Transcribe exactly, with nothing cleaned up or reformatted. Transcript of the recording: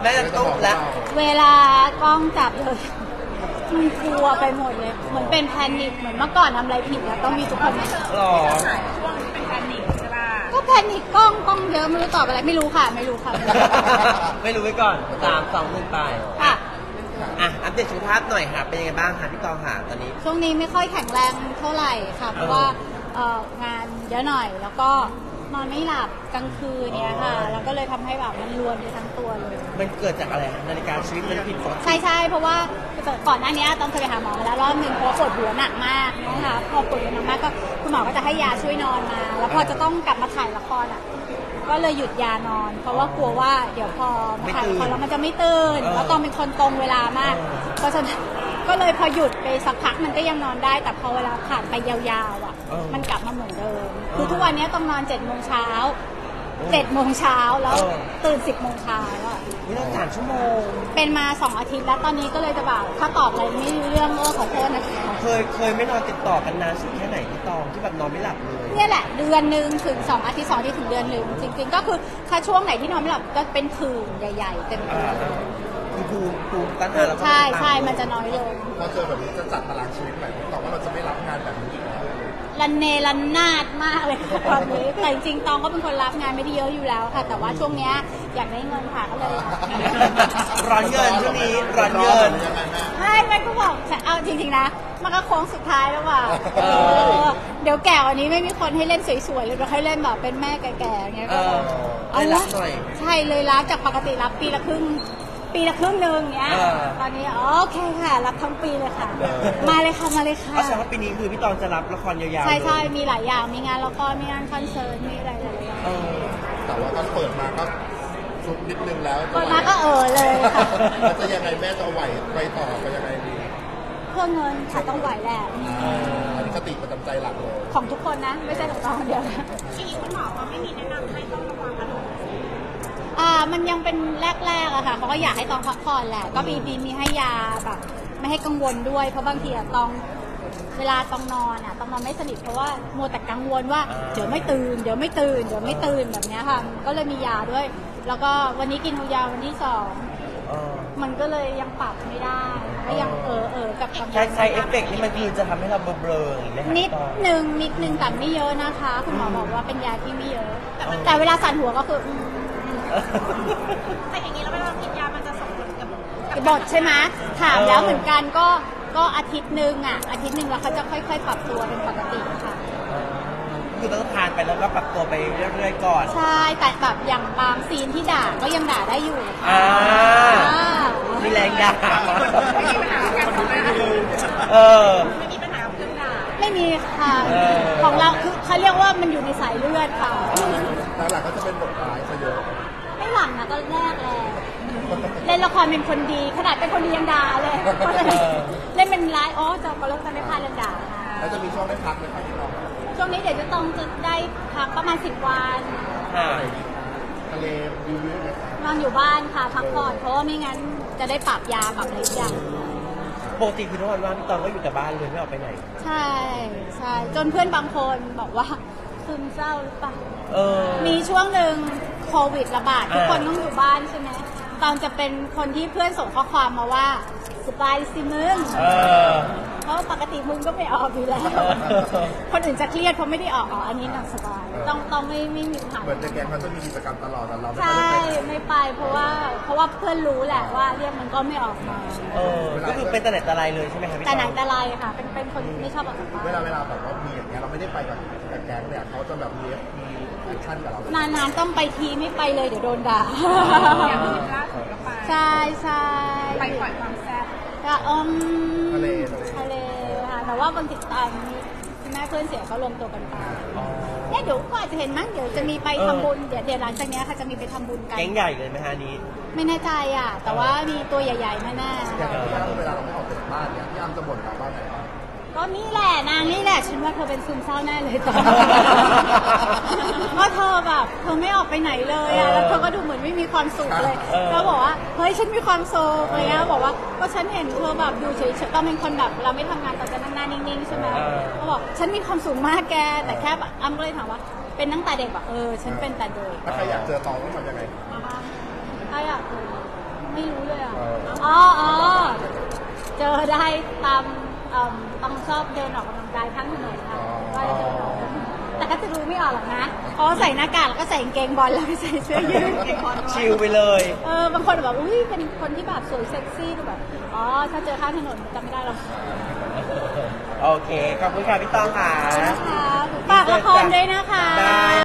ม่จะตุ้มแล้วเวลากล้องจับเลยมันกลัวไปหมดเลยเหมือนเป็นแพนิคเหมือนเมื่อก่อนทำอะไรผิดแล้วต้องมีทุกคนมาหรอช่วงเป็นแพนิคใช่ป่ะก็แพนิคกล้องกล้องเยอะไม่รู้ตอบอะไรไม่รู้ค่ะไม่รู้ค่ะไม่รู้ไว้ก่อนสามสองหนึ่งไปค่ะอ่ะอัปเดตสุขภาพหน่อยค่ะเป็นยังไงบ้างคะพี่ตองค่ะตอนนี้ช่วงนี้ไม่ค่อยแข็งแรงเท่าไหร่ค่ะเพราะว่าเอ่องานเยอะหน่อยแล้วก็นอนไม่หลับกลางคืนเนี้ยค่ะแล้วก็เลยทำให้แบบมันรวนไปทั้งตัวเลยมันเกิดจากอะไรคะนาฬิกาชีวิตมันผิดปกติใช่ใช่เพราะว่าก่อนหน้านี้ต้องเคยไปหาหมอมาแล้วรอบหนึ่งเพราะปวดหัวหนักมากนะคะพอปวดหัวหนักมากก็คุณหมอก็จะให้ยาช่วยนอนมา แล้วพอจะต้องกลับมาถ่ายละครอ่ะก็เลยหยุดยานอน เพราะว่ากลัวว่าเดี๋ยวพอมาถ่ายละครแล้วมันจะไม่ตื่นแล้วต้องเป็นคนตรงเวลามากเพราะฉะนั้นก็เลยพอหยุดไปสักพักมันก็ยังนอนได้แต่พอเวลาผ่านไปยาวๆอ่ะมันกลับมาเหมือนเดิมคือทุกวันนี้ต้องนอนเจ็ดโมงเช้าเจ็ดโมงเช้าแล้วตื่นสิบโมงเช้าแล้วไม่ต้องสามชั่วโมงเป็นมาสองอาทิตย์แล้วตอนนี้ก็เลยจะแบบถ้าตอบอะไรไม่รู้เรื่องก็ขอโทษนะคะเคยเคยไม่นอนติดต่อกันนานสุดแค่ไหนพี่ตองที่แบบนอนไม่หลับเลยเนี่ยแหละเดือนหนึ่งถึงสองอาทิตย์สองอาทิตย์ถึงเดือนหนึ่งจริงๆก็คือถ้าช่วงไหนที่นอนไม่หลับก็เป็นผื่นใหญ่ๆเต็มตัวคือภูมิภูมิต้านทานเราก็ใช่ใช่มันจะน้อยลงพอเจอแบบนี้จะจัดตารางชีวิตใหม่ตอบว่าเราจะไม่รับงานแบบนี้อีกแล้วรันเนรันนาดมากเลยค่ะตอนนี้แต่จริงๆตองก็เป็นคนรับงานไม่ได้เยอะอยู่แล้วค่ะ แต่ว่าช่วงเนี้ยอยากได้เงินค่ะก็เลยร้อนเงินช่วงนี้ร้อนเงินไม่ไม่ก็บอกเอาจริงๆนะมันก็โค้งสุดท้ายแล้วว่ะเออเดี๋ยวแก่วันนี้ไม่มีคนให้เล่นสวยๆเลยเราให้เล่นแบบเป็นแม่แก่ๆอย่างเงี้ยเอก็อเอาได้รัละบหน่อยใช่เลยรับจากปกติรับปีละครึ่งปีละครึ่งหนึ่งเงี้ยเออตอนนี้โอเคค่ะรับทั้งปีเลยค่ะ มาเลยค่ะมาเลยค่ะก็แสดงว่าปีนี้คือพี่ตองจะรับละครยาวๆใช่ใช่เลยมีหลายอย่างมีงานละครมีงานคอนเสิร์ตมีอะไรหลายๆอย่างเออแต่ว่าตอนเปิดมาก็ซุกนิดนึงแล้วก็มาก็เออเลยค่ะแล้วจะยังไงแม่จะไหวไปต่อไปยังไงดีเพื่อเงินค่ะต้องไหวแหละอันนี้สติประจำใจหลักเลยของทุกคนนะ ไม่ใช่ของตองคนเดียวนะที่คุณหมอเขาไม่มีแนะนำให้ต้องระวังอารมณ์อ่ามันยังเป็นแรกๆอะค่ะเขาก็อยากให้ตองพักผ่อนแหละก็มีมีมีให้ยาแบบไม่ให้กังวลด้วยเพราะบางทีอะตองเวลาตองนอนอะตองนอนไม่สนิทเพราะว่ามัวแต่กังวลว่าเดี๋ยวไม่ตื่นเดี๋ยวไม่ตื่นเดี๋ยวไม่ตื่นแบบเนี้ยค่ะก็เลยมียาด้วย แล้วก็วันนี้กินยาวันที่สองเออมันก็เลยยังปรับไม่ได้ก็ยังเออเออกับกำลังใช้ไซเอฟเฟกต์นี่มันคือจะทำให้เราเบลอๆอย่างนี้ไหมคะนิดพี่ตองหนึ่งนิดหนึ่งแต่ไม่เยอะนะคะ คุณหมอบอกว่าเป็นยาที่ไม่เยอะแต่มันแต่เวลาสั่นหัวก็คืออืมแต่อย่างนี้แล้วเวลากินยามันจะส่งผลกับบทใช่ไหมถามแล้วเหมือนกันก็ก็อาทิตย์หนึ่งอ่ะอาทิตย์หนึ่งแล้วเขาจะค่อยๆ ปรับตัวเป็นปกติค่ะคือต้องทานไปแล้วก็ปรับตัวไปเรื่อยๆก่อนใช่แต่แบบอย่างบางซีนที่ด่าก็ยังด่าได้อยู่อ่าอ่ามีแรงด่าไม่มีปัญหาการทำงานเออไม่มีปัญหากับเรื่องด่าไม่มีค่ะเออของเราคือเขาเรียกว่ามันอยู่ในสายเลือดค่ะหลักๆก็จะเป็นบทร้ายซะเยอะไม่หลังนะก็แรกแหละเล่นละครเป็นคนดีขนาดเป็นคนดียังด่าเลยเล่นเป็นร้ายอ๋อจะก็เลิกจะไม่พลาดเรื่องด่าค่ะแล้วจะมีช่วงได้พักไหมครับพี่น้องช่วงนี้เดี๋ยวจะต้องจะได้พักประมาณสิบวันค่ะทะเลวิวเยอะไหมนอนอยู่บ้านค่ะพักผ่อนเพราะว่าไม่งั้นจะได้ปรับยาปรับอะไรทุกอย่างปกติคือทุกวันว่างพี่ตองก็อยู่แต่บ้านเลยไม่ออกไปไหนใช่ใช่จนเพื่อนบางคนบอกว่าซึมเศร้าหรือเปล่าเออมีช่วงหนึ่งโควิดระบาดทุกคนอ่าต้องอยู่บ้านใช่ไหมตอนจะเป็นคนที่เพื่อนส่งข้อความมาว่าสบายสิมึงเออเพราะปกติมึงก็ไม่ออกอยู่แล้ว คนอื่นจะเครียดเพราะไม่ได้ออกอ๋ออันนี้นางสบายต้องต้องไม่ไม่มีปัญหาเหมือนในแก๊งเขาจะมีกิจกรรมตลอดแต่เราไม่ใช่ค่อยได้ไปไม่ไปเพราะว่าเพราะว่าเพื่อนรู้แหละว่าเรียกมันก็ไม่ออกมาเออ ก็คือเป็นแต่ไหนแต่ไรเลยใช่ไหมคะพี่ตแต่องไหนแต่ไรค่ะ เป็นเป็นคนไม่ชอบออกจากบ้านเวลาเวลาแบบว่ามีอย่างเงี้ยเราไม่ได้ไปกับกับแก๊งเนี่ยเขาจะแบบมีมีแอคชั่นกับเรานานๆต้องไปทีไม่ไปเลยเดี๋ยวโดนด่าอย่างที่ล่าสุดก็ไปใช่ใช่ไปปล่อยความแซ่บก็อืมทะเลทะเลทะเลค่ะแต่ว่าบางทีตอนนี้คุณแม่เพื่อนเสียเขารวมตัวกันไปอ๋อเนี่ยเดี๋ยวก็อาจจะเห็นมั้งเดี๋ยวจะมีไปทำบุญเดี๋ยวเดี๋ยวหลังจากเนี้ยค่ะจะมีไปทำบุญกันแก๊งใหญ่เลยไหมฮะอันนี้ไม่แน่ใจอ่ะ แต่ว่ามีตัวใหญ่ๆแน่อย่างที่อ้ำเวลาเราไม่ออกจากบ้านเนี่ยพี่อ้ำจะบ่นเราบ้านไหนบ้างๆก็นี่แหละนางนี่แหละฉันว่าเธอเป็นซึมเศร้าแน่เลยตอนเพราะเธอแบบเธอไม่ออกไปไหนเลยอ่ะแล้วเธอก็ดูเหมือนไม่มีความสุขเลยแล้วบอกว่าเฮ้ยฉันมีความสุขอะไรเงี้ยบอกว่าก็ฉันเห็นเธอแบบดูเฉยๆตอนเป็นคนแบบเราไม่ทำงานตอนจะนั่งหน้านิ่งๆใช่ไหมเขาบอกฉันมีความสุขมากแกแต่แค่แบบอ้ำก็เลยถามว่าเป็นตั้งแต่เด็กแบบเออฉันเป็นแต่เด็กถ้าใครอยากเจอตองต้องทำยังไงถ้าอยากเจออ๋ออ๋อเจอได้ตามเอ่อต้องชอบเดินออกกำลังกายข้างถนนค่ะก็จะเดินออกแต่ก็จะดูไม่ออกหรอกนะอ๋อใส่หน้ากากแล้วก็ใส่กางเกงบอลแล้วก็ใส่เสื้อยืดเกงบอลชิลไปเลยเออบางคนแบบอุ้ยเป็นคนที่แบบสวยเซ็กซี่ดูแบบอ๋อถ้าเจอข้างถนนจำไม่ได้หรอกโอเค ขอบคุณค่ะพี่ต้องค่ะนะคะฝากละครด้วยนะคะได้